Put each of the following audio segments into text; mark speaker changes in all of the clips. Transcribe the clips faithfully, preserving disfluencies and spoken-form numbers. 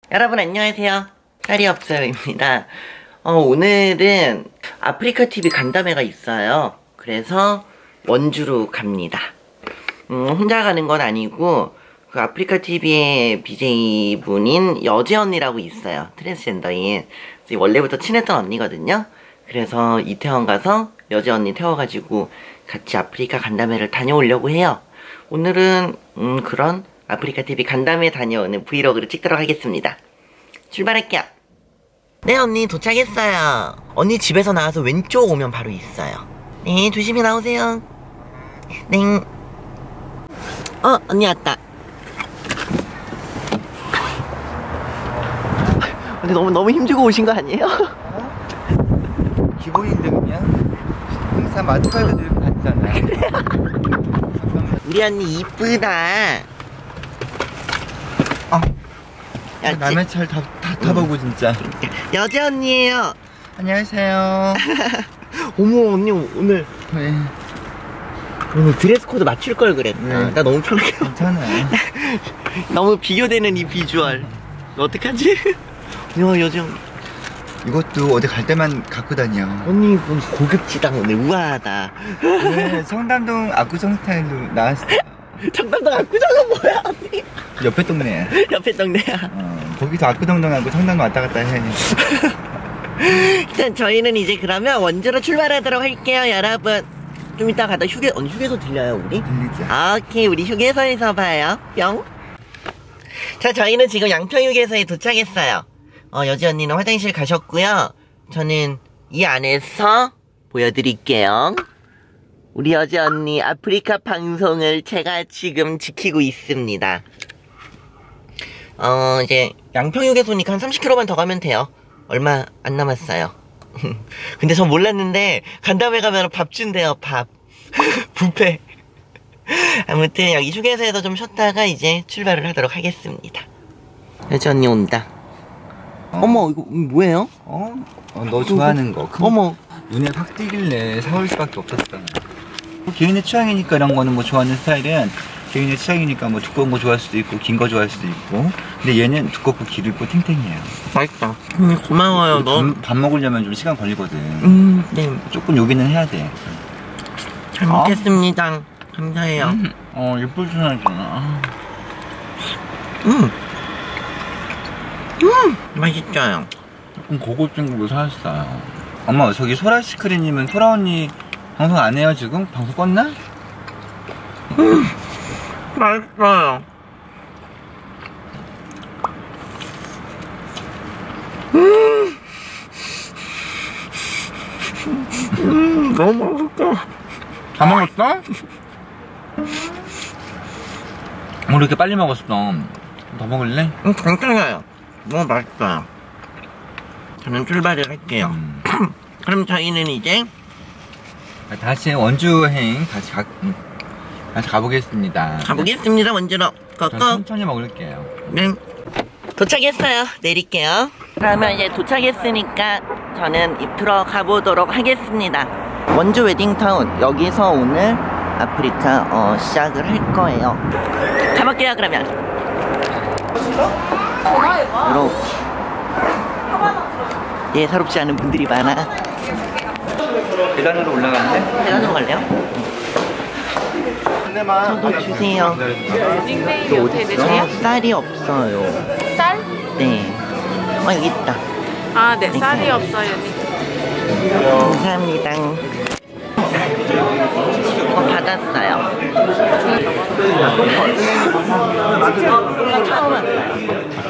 Speaker 1: 여러분 안녕하세요. 쌀이 없어요입니다. 어, 오늘은 아프리카티비 간담회가 있어요. 그래서 원주로 갑니다. 음, 혼자 가는 건 아니고 그 아프리카티비의 비제이분인 여재 언니라고 있어요. 트랜스젠더인. 원래부터 친했던 언니거든요. 그래서 이태원 가서 여재 언니 태워가지고 같이 아프리카 간담회를 다녀오려고 해요. 오늘은 음, 그런 아프리카티비 간담회 다녀오는 브이로그를 찍도록 하겠습니다. 출발할게요. 네, 언니 도착했어요. 언니 집에서 나와서 왼쪽 오면 바로 있어요. 네, 조심히 나오세요. 네. 어, 언니 왔다. 근데 너무 너무 힘주고 오신 거 아니에요?
Speaker 2: 어? 기본인데 그냥 항상 마트카드 들고 다니잖아요.
Speaker 1: 우리 언니 이쁘다.
Speaker 2: 아,
Speaker 1: 야,
Speaker 2: 남의 차를 다, 다 타보고 진짜.
Speaker 1: 여재 언니예요.
Speaker 2: 안녕하세요.
Speaker 1: 어머, 언니 오늘
Speaker 2: 네.
Speaker 1: 오늘 드레스 코드 맞출 걸 그랬다.
Speaker 2: 네.
Speaker 1: 나 너무 편하게.
Speaker 2: 괜찮아요.
Speaker 1: 너무 비교되는 이 비주얼. 어떡하지? 야, 여재 언니.
Speaker 2: 이것도 어디 갈 때만 갖고 다녀.
Speaker 1: 언니 이건 고급지다. 오늘 우아하다.
Speaker 2: 오늘 성담동 압구정 스타일로 나왔어요.
Speaker 1: 청담동 압구정은 뭐야, 언니?
Speaker 2: 옆에 동네야.
Speaker 1: 옆에 동네야.
Speaker 2: 어, 거기서 압구정동하고 성담동 왔다 갔다 해.
Speaker 1: 일단 저희는 이제 그러면 원주로 출발하도록 할게요, 여러분. 좀 이따 가다 휴게, 언니 휴게소 들려요, 우리?
Speaker 2: 들리죠.
Speaker 1: 아, 오케이, 우리 휴게소에서 봐요. 뿅. 자, 저희는 지금 양평휴게소에 도착했어요. 어, 여지 언니는 화장실 가셨고요. 저는 이 안에서 보여드릴게요. 우리 여지 언니 아프리카 방송을 제가 지금 지키고 있습니다. 어, 이제 양평휴게소니까 한 삼십 킬로미터만 더 가면 돼요. 얼마 안 남았어요. 근데 전 몰랐는데 간담회 가면 밥 준대요, 밥. 뷔페. 아무튼 여기 휴게소에서 좀 쉬었다가 이제 출발을 하도록 하겠습니다. 여지 언니 온다. 어. 어머, 이거 뭐예요?
Speaker 2: 어? 어, 너 좋아하는 거.
Speaker 1: 어머.
Speaker 2: 눈에 확 띄길래 사올 수밖에 없었어. 개인의 취향이니까 이런 거는 뭐 좋아하는 스타일은 개인의 취향이니까 뭐 두꺼운 거 좋아할 수도 있고 긴 거 좋아할 수도 있고. 근데 얘는 두껍고 길고 탱탱해요.
Speaker 1: 맛있다. 음, 고마워요. 너
Speaker 2: 밥, 밥 먹으려면 좀 시간 걸리거든.
Speaker 1: 음, 네.
Speaker 2: 조금 요기는 해야 돼.
Speaker 1: 잘 먹겠습니다. 감사해요.
Speaker 2: 음, 어, 예쁠 줄 알잖아.
Speaker 1: 음. 음, 맛있어요.
Speaker 2: 조금 고급진 거 사왔어요. 엄마, 저기 소라시크리님은 소라 언니 방송 안 해요 지금? 방송 껐나?
Speaker 1: 음, 맛있어요. 음, 음, 너무 맛있다.
Speaker 2: 다 먹었어? 뭐 이렇게 빨리 먹었어? 더 먹을래?
Speaker 1: 음, 괜찮아요. 너무 맛있어요. 저는 출발을 할게요.
Speaker 2: 음.
Speaker 1: 그럼 저희는 이제
Speaker 2: 다시 원주행 다시 가, 다시 가보겠습니다.
Speaker 1: 가보겠습니다. 원주로
Speaker 2: 전
Speaker 1: 고고.
Speaker 2: 천천히 먹을게요.
Speaker 1: 네. 도착했어요. 내릴게요. 그러면 이제 도착했으니까 저는 입으로 가보도록 하겠습니다. 원주 웨딩타운, 여기서 오늘 아프리카 어, 시작을 할 거예요. 가볼게요. 그러면 이렇게 예사롭지 않은 분들이 많아.
Speaker 2: 계단으로 올라가는데?
Speaker 1: 계단으로 갈래요? 저도 주세요.
Speaker 3: 닉네임이 어떻게 되세요?
Speaker 1: 어, 쌀이 없어요.
Speaker 3: 쌀?
Speaker 1: 네. 어, 여기 있다.
Speaker 3: 아, 네, 쌀이 없어요.
Speaker 1: 감사합니다. 어, 받았어요. 처음 왔어요.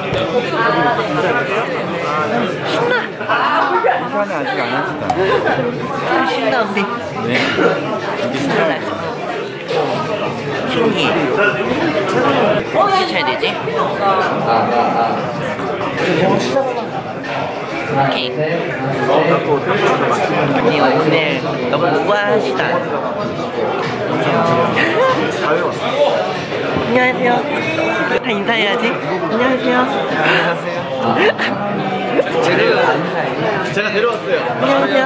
Speaker 1: 신나!
Speaker 2: 계산은 아직 안 하시다.
Speaker 1: 아, 신나, 언니.
Speaker 2: 네.
Speaker 1: 신나. 신기해. 어떻게 쳐야 되지? 오케이. 언니 오늘 너무 우아하시다. 안녕하세요. 다 인사해야지. 안녕하세요.
Speaker 2: 안녕하세요. 제가, 제가 데려왔어요.
Speaker 1: 안녕하세요.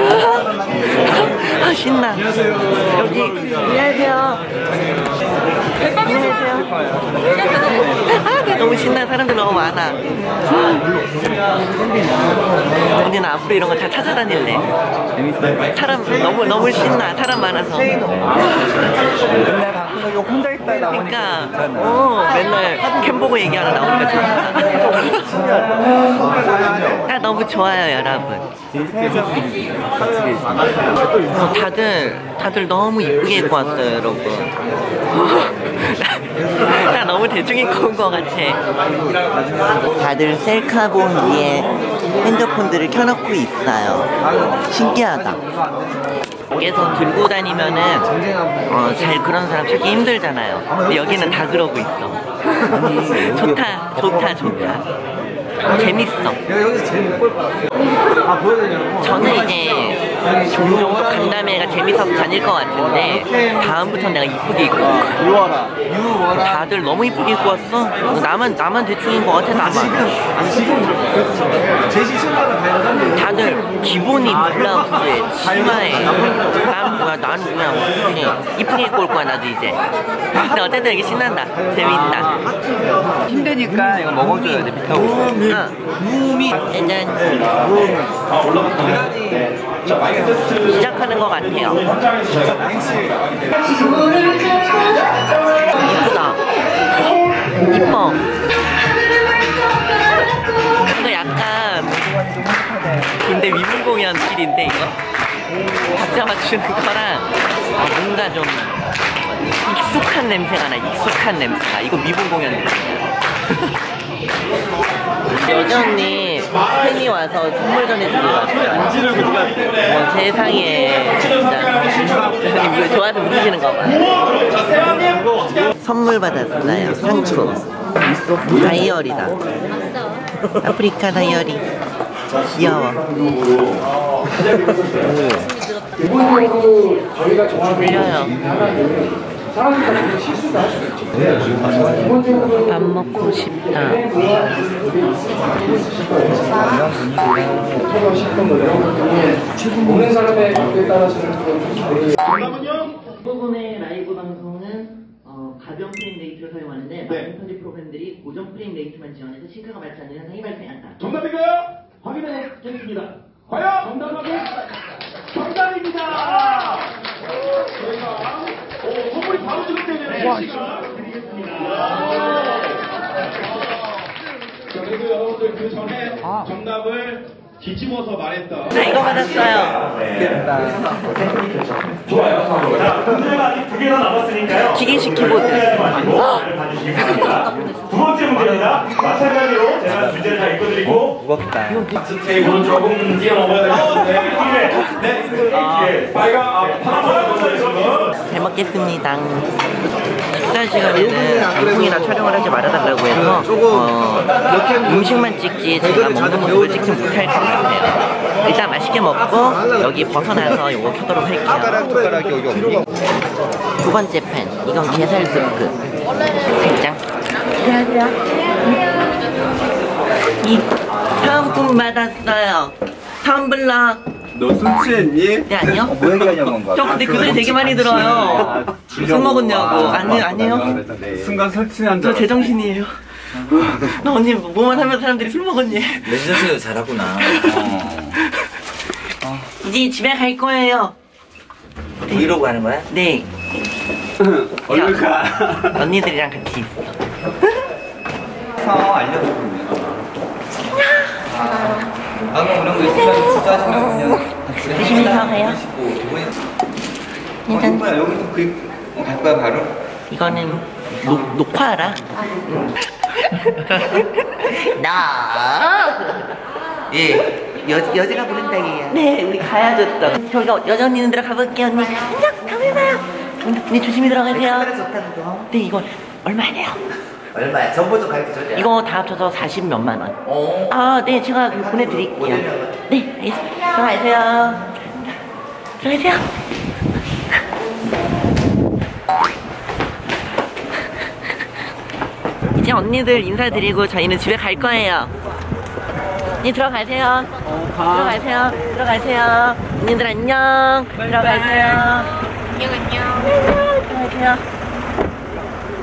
Speaker 1: 안녕하세요. 아, 신나. 안녕하세요. 여기, 안녕하세요. 너무 신나. 사람들 너무 많아. 언니는 앞으로 이런 거 다 찾아다닐래. 사람 너무 너무 신나. 사람 많아서.
Speaker 2: 맨날 방송에 혼자 있다 나오니까
Speaker 1: 그러니까
Speaker 2: 괜찮아.
Speaker 1: 어, 맨날 캠 보고 얘기하러 나오니까 좋다. 아, 너무 좋아요, 여러분. 어, 다들 다들 너무 이쁘게 입고 왔어요, 여러분. 나 너무 대충 입고 온 것 같아. 다들 셀카봉 위에 핸드폰들을 켜놓고 있어요. 신기하다. 밖에서 들고 다니면은 어, 잘 그런 사람 찾기 힘들잖아요. 근데 여기는 다 그러고 있어. 좋다, 좋다, 좋다. 재밌어. 저는 이제 종종 또 간담회가 재밌어서 다닐 것 같은데 다음부터 내가 이쁘게 입고 올 거야. 다들 너무 이쁘게 입고 왔어. 나만 나만 대충인 것 같아. 나만. 다들 기본이 블라우스에 치마에. 난 뭐야? 난 그냥 그냥 이쁘게 입고 올 거야. 나도 이제. 근데 어쨌든 이게 신난다. 재밌다.
Speaker 2: 힘드니까 이거 먹어줘야 돼. 비타민.
Speaker 1: 무미 짜잔. 시작하는 것 같아요. 이쁘다. 이뻐. 이거 약간 군대 위문 공연 필인데 이거 박자 맞추는 거랑 뭔가 좀 익숙한 냄새가 나. 익숙한 냄새가. 이거 미분 공연 냄새야. 여전히 팬이 와서 선물 전해주고 갔어요. 뭐 세상에 진짜 이거 좋아서 웃으시는 거 봐. 선물 받았어요. 상품 다이어리다. 아프리카 다이어리. 귀여워. 들려요. 밥 먹고 싶다. 대부분의 라이브 방송은 어, 가변 프레임 레이트를 사용하는데 많은 편집 프로그램들이 고정 프레임 레이트만 지원해서 싱크가 맞지 않는 현상이 발생한다.
Speaker 4: 정답인가요? 확인해 보겠습니다. 과연 정답은 정답입니다. 저희가 오, 선물이 바로 지급되네요. 시간 드리겠습니다. 자, 그리고 여러분들 그 전에
Speaker 2: 아.
Speaker 4: 정답을 뒤집어서 말했던.
Speaker 1: 자, 이거 받았어요.
Speaker 4: 좋아요. 자, 문제가 아직 두 개나 남았으니까요.
Speaker 1: 기계식 키보드.
Speaker 4: 두 번째 문제입니다. 마찬가지로 제가 문제를 다 읽어드리고
Speaker 2: 무겁다.
Speaker 4: 테이블은 조금 뛰어넘어야 될 것 같은데. 네, 네. 빨간 아, 파란색.
Speaker 1: 잘 먹겠습니다. 식사 시간에는 방송이나 촬영을 하지 말아달라고 해서 어, 음식만 찍지 제가 먹는 모습을 찍지 못할 것 같아요. 일단 맛있게 먹고 여기 벗어나서 이거 켜도록 할게요.
Speaker 2: 숟가락이 여기 없니?
Speaker 1: 두 번째 팬. 이건 게살 스프. 살짝. 이 사은품 받았어요. 텀블러.
Speaker 2: 너 술 취했니?
Speaker 1: 네, 아니요.
Speaker 2: 어, 뭐 얘기하냐고 한 거야?
Speaker 1: 저 근데 그 소리 되게 많이 들어요. 술 먹었냐고. 아니, 아니에요.
Speaker 2: 순간 술 취한
Speaker 1: 저 제정신이에요. 나 언니 뭐만 하면 사람들이 술 먹었니?
Speaker 2: 레지던스도 잘하구나. 어.
Speaker 1: 이제 집에 갈 거예요.
Speaker 2: 브이로그 하는 거야?
Speaker 1: 네.
Speaker 2: 얼른 가.
Speaker 1: 언니들이랑 같이 있어.
Speaker 2: 서 알려주고. 아, 그럼 이런 거 있으면 진짜 하시면 그냥
Speaker 1: 조심히 가세요.
Speaker 2: 어, 뭐야 여기서 그갈 거야 바로?
Speaker 1: 이거는 녹, 녹화하라. 나. 예. 여, 여자가 부른다 얘야. 네, 우리 가야죠 또. 저희가 여자 언니는 들어가 볼게요 언니. 안녕, 다음에 봐요. 언니 조심히 들어가세요. 네, 이거 얼마예요?
Speaker 2: 얼마야? 전부터 가르쳐 줘.
Speaker 1: 이거 다 합쳐서 사십 몇만 원.
Speaker 2: 어.
Speaker 1: 아, 네, 제가 그 보내드릴게요. 네, 알겠습니다. 들어가세요. 들어가세요. 이제 언니들 인사드리고 저희는 집에 갈 거예요. 네, 들어가세요. 들어가세요. 들어가세요. 언니들 안녕. 들어가세요.
Speaker 3: 안녕 안녕.
Speaker 1: 들어가세요.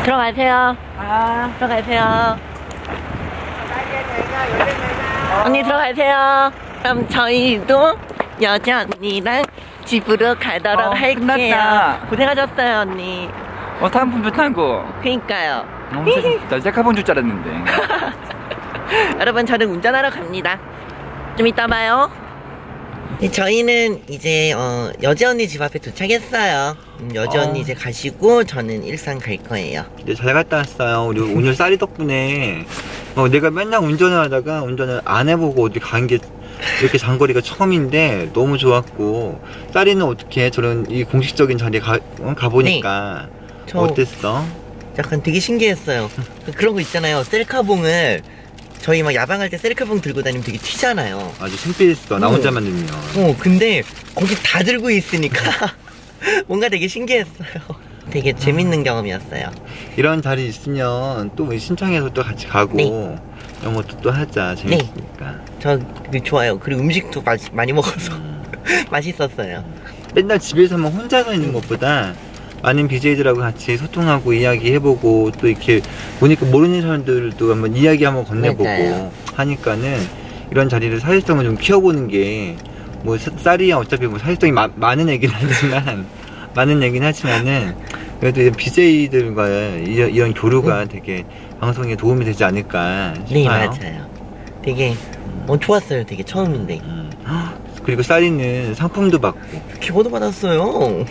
Speaker 1: 들어가세요.
Speaker 3: 아,
Speaker 1: 들어가세요. 언니 들어가세요. 그럼 저희도 여자 언니랑 집으로 가도록
Speaker 2: 어,
Speaker 1: 할게요.
Speaker 2: 끝났다.
Speaker 1: 고생하셨어요, 언니.
Speaker 2: 어, 다음 분도 타고.
Speaker 1: 그니까요.
Speaker 2: 너무 진짜 셀카본 줄 알았는데.
Speaker 1: 여러분, 저는 운전하러 갑니다. 좀 이따 봐요. 네, 저희는 이제 어, 여지 언니 집 앞에 도착했어요. 음, 여지
Speaker 2: 어.
Speaker 1: 언니 이제 가시고 저는 일산 갈 거예요.
Speaker 2: 네, 잘 갔다 왔어요. 우리 오늘 쌀이 덕분에 어, 내가 맨날 운전을 하다가 운전을 안 해보고 어디 간 게 이렇게 장거리가 처음인데 너무 좋았고, 쌀이는 어떻게 저런 이 공식적인 자리에 가, 어, 가보니까
Speaker 1: 저
Speaker 2: 어땠어?
Speaker 1: 약간 되게 신기했어요. 그런 거 있잖아요. 셀카봉을 저희 막 야방할 때 셀카봉 들고 다니면 되게 튀잖아요.
Speaker 2: 아주 창피했어. 나
Speaker 1: 어.
Speaker 2: 혼자만 들면.
Speaker 1: 어, 근데 거기 다 들고 있으니까 뭔가 되게 신기했어요. 되게 재밌는 경험이었어요.
Speaker 2: 이런 자리 있으면 또 신청해서 또 같이 가고
Speaker 1: 네.
Speaker 2: 이런 것도 또 하자. 재밌으니까.
Speaker 1: 저 되게 좋아요. 그리고 음식도 마, 많이 먹어서
Speaker 2: 음.
Speaker 1: 맛있었어요.
Speaker 2: 맨날 집에서만 혼자서 있는 것보다 많은 비제이들하고 같이 소통하고 이야기해보고, 또 이렇게 보니까 모르는 사람들도 한번 이야기 한번 건네보고
Speaker 1: 맞아요.
Speaker 2: 하니까는 이런 자리를 사회성을 좀 키워보는 게, 뭐 쌀이야 어차피 뭐 사회성이 마, 많은 얘기는 하지만 많은 얘기는 하지만은 그래도 비제이들과의 이런, 이런 교류가
Speaker 1: 음.
Speaker 2: 되게 방송에 도움이 되지 않을까 싶어요.
Speaker 1: 네, 맞아요. 되게 어, 좋았어요. 되게 처음인데.
Speaker 2: 음. 그리고 쌀이는 상품도 받고.
Speaker 1: 기고도 받았어요.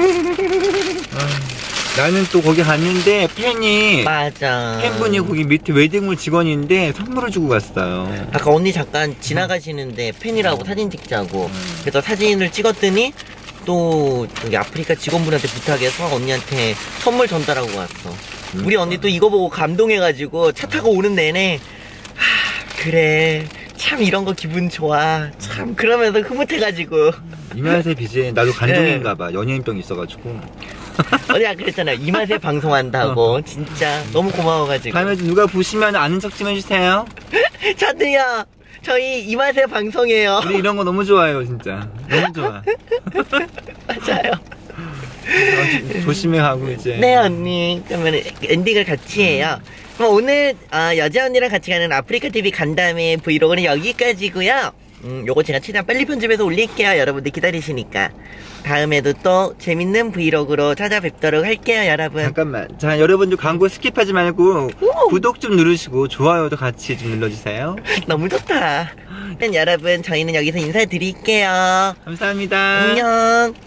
Speaker 2: 나는 또 거기 갔는데 팬이
Speaker 1: 맞아.
Speaker 2: 팬분이 거기 밑에 웨딩홀 직원인데 선물을 주고 갔어요.
Speaker 1: 아까 언니 잠깐 지나가시는데 팬이라고 사진 찍자고. 그래서 사진을 찍었더니 또 여기 아프리카 직원분한테 부탁해서 언니한테 선물 전달하고 왔어. 우리 언니 또 이거 보고 감동해가지고 차 타고 오는 내내 하, 그래 참 이런 거 기분 좋아 참 그러면서 흐뭇해가지고
Speaker 2: 이맛의 비제 나도 간종인가봐. 연예인병 있어가지고.
Speaker 1: 언니가 그랬잖아요. 이 맛에 방송한다고. 진짜 너무 고마워가지고.
Speaker 2: 다음에 누가 보시면 아는 척 좀 해주세요.
Speaker 1: 저도요. 저희 이 맛에 방송해요.
Speaker 2: 우리 이런 거 너무 좋아해요, 진짜. 너무 좋아.
Speaker 1: 맞아요.
Speaker 2: 어, 조심해 가고 이제.
Speaker 1: 네 언니. 그러면 엔딩을 같이 해요. 그럼 오늘 어, 여자 언니랑 같이 가는 아프리카 티비 간담회 브이로그는 여기까지고요. 음, 요거 제가 최대한 빨리 편집해서 올릴게요. 여러분들 기다리시니까. 다음에도 또 재밌는 브이로그로 찾아뵙도록 할게요, 여러분.
Speaker 2: 잠깐만. 자, 여러분들 광고 스킵하지 말고
Speaker 1: 오!
Speaker 2: 구독 좀 누르시고 좋아요도 같이 좀 눌러주세요.
Speaker 1: 너무 좋다. 그럼 여러분 저희는 여기서 인사드릴게요.
Speaker 2: 감사합니다.
Speaker 1: 안녕.